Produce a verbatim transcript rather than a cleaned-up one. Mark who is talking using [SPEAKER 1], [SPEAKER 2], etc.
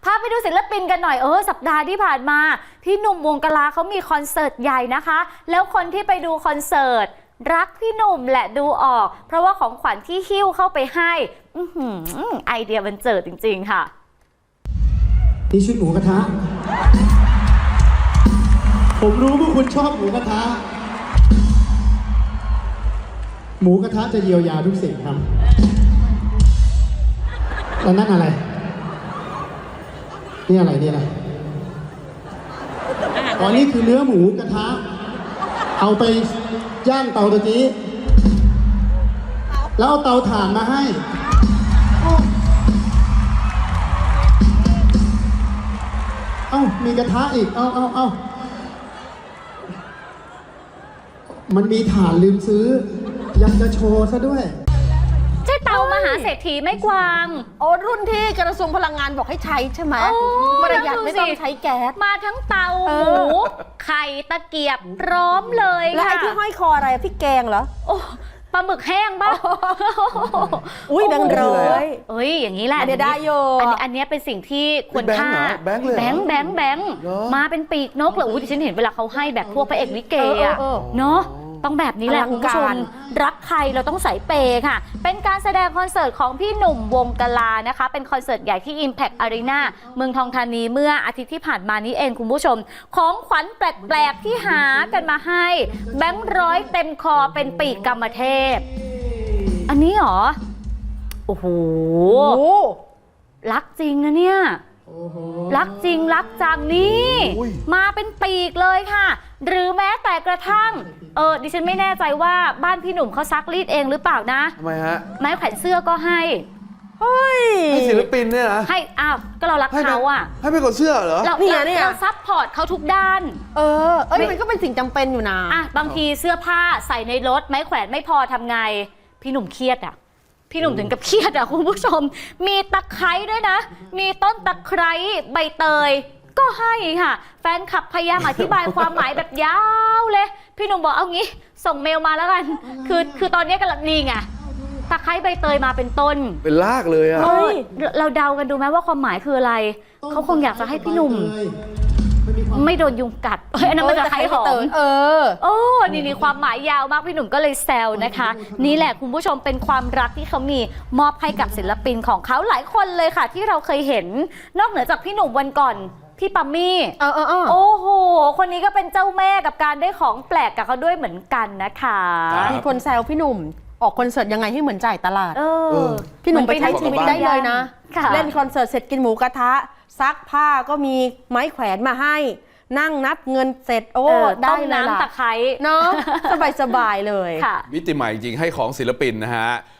[SPEAKER 1] พาไปดูศิลปินกันหน่อยเออสัปดาห์ที่ผ่านมาพี่หนุ่มวงกลาเขามีคอนเสิร์ตใหญ่นะคะแล้วคนที่ไปดูคอนเสิร์ตรักพี่หนุ่มแหละดูออกเพราะว่าของขวัญที่หิ้วเข้าไปให้อื้อหือไอเดียบันเจิดจริงๆค่ะ
[SPEAKER 2] นี่ชุดหมูกระทะผมรู้ว่าคุณชอบหมูกระทะหมูกระทะจะเยียวยาทุกสิ่งครับแล้วนั่นอะไรนี่อะไรนี่อะไรอ๋อนี่คือเนื้อหมูกระทะเอาไปย่างเตาตะกี้แล้วเอาเตาถ่านมาให้เอ้ามีกระทะอีกเอ้าเอ้าเอ้ามันมีถ่านลืมซื้อยังจะโชว์ซะด้วย
[SPEAKER 1] ใช่เตามหาเศรษฐีไม่กวาง
[SPEAKER 3] โอ้รุ่นที่กระทรวงพลังงานบอกให้ใช้ใช่ไหมประหยัดไม่ต้องใช้แก๊ส
[SPEAKER 1] มาทั้งเตาหมูไข่ตะเกียบพร้อมเลยค่ะ
[SPEAKER 3] แล้วไอ้ที่ห้อยคออะไรพี่แกงเหรอ
[SPEAKER 1] โอ้ปลาหมึกแห้งป่ะ
[SPEAKER 3] อุ้ยแบงค์ร้อย
[SPEAKER 1] เอ้ยอย่างนี้แหละ
[SPEAKER 3] เดี๋ยวได้โย
[SPEAKER 1] อันนี้อันนี้เป็นสิ่งที่ควรค่า
[SPEAKER 4] แบงค์เลย
[SPEAKER 1] แบงค์แบงค์แบงค์มาเป็นปีกนกเลยอุ้ยดิฉันเห็นเวลาเขาให้แบบพวกพระเอกลิเกอะเนาะต้องแบบนี้แหละคุณผู้ชมรักใครเราต้องใส่เปย์ค่ะเป็นการแสดงคอนเสิร์ตของพี่หนุ่มวงกลานะคะเป็นคอนเสิร์ตใหญ่ที่ Impact Arena เมืองทองธานีเมื่ออาทิตย์ที่ผ่านมานี้เองคุณผู้ชมของขวัญแปลกๆที่หากันมาให้แบงค์ร้อยเต็มคอเป็นปีกกรรมเทพอันนี้หรอโอ้โหรักจริงนะเนี่ยรักจริงรักจังนี่มาเป็นปีกเลยค่ะหรือแม้แต่กระทั่งเออดิฉันไม่แน่ใจว่าบ้านพี่หนุ่มเขาซักรีดเองหรือเปล่านะ
[SPEAKER 4] ทำไมฮะ
[SPEAKER 1] ไม้แขวนเสื้อก็ให้
[SPEAKER 3] เฮ้ย
[SPEAKER 4] ให้ศิลปินเนี่ยนะ
[SPEAKER 1] ให้อ้าวก็เรารักเขาอ่ะ
[SPEAKER 4] ให้ไปกดเสื้อเหรอ
[SPEAKER 1] เราเราซัพพอร์ตเขาทุกด้าน
[SPEAKER 3] เออเอ้ยมันก็เป็นสิ่งจำเป็นอยู่นะ
[SPEAKER 1] อ่ะบางทีเสื้อผ้าใส่ในรถไม้แขวนไม่พอทำไงพี่หนุ่มเครียดอ่ะพี่หนุ่มถึงกับเครียดอ่ะคุณผู้ชมมีตะไคร้ด้วยนะมีต้นตะไคร้ใบเตยก็ให้ค่ะแฟนคลับพยายามอธิบายความหมายแบบยาวเลยพี่หนุ่มบอกเอางี้ส่งเมลมาแล้วกันคือคือตอนนี้กำลังนี่ไงตะไคร้ใบเตยมาเป็นต้น
[SPEAKER 4] เป็นรากเลยอ่ะ
[SPEAKER 1] เราเดากันดูไหมว่าความหมายคืออะไรเขาคงอยากจะให้พี่หนุ่มไม่โดนยุงกัดเฮ้ยอันนั้นมันจะไคร้หอม
[SPEAKER 3] เออ
[SPEAKER 1] โอ้นี่นี่ความหมายยาวมากพี่หนุ่มก็เลยแซวนะคะนี่แหละคุณผู้ชมเป็นความรักที่เขามีมอบให้กับศิลปินของเขาหลายคนเลยค่ะที่เราเคยเห็นนอกเหนือจากพี่หนุ่มวันก่อนพี่ปัมมี่
[SPEAKER 3] เออเออเออ
[SPEAKER 1] โอ้โหคนนี้ก็เป็นเจ้าแม่กับการได้ของแปลกกับเขาด้วยเหมือนกันนะคะ
[SPEAKER 3] มีคนแซวพี่หนุ่มออกคอนเสิร์ตยังไงให้เหมือนจ่ายตลาด
[SPEAKER 1] เออ
[SPEAKER 3] พี่หนุ่มไปใช้ชีวิตได้เลยนะเล่นคอนเสิร์ตเสร็จกินหมูกระทะซักผ้าก็มีไม้แขวนมาให้นั่งนับเงินเสร็จโอ้ได้เลยล่ะ
[SPEAKER 1] น้ำตะไคร้
[SPEAKER 3] เนาะสบายๆเลย
[SPEAKER 4] มิติใหม่จริงให้ของศิลปินนะฮะ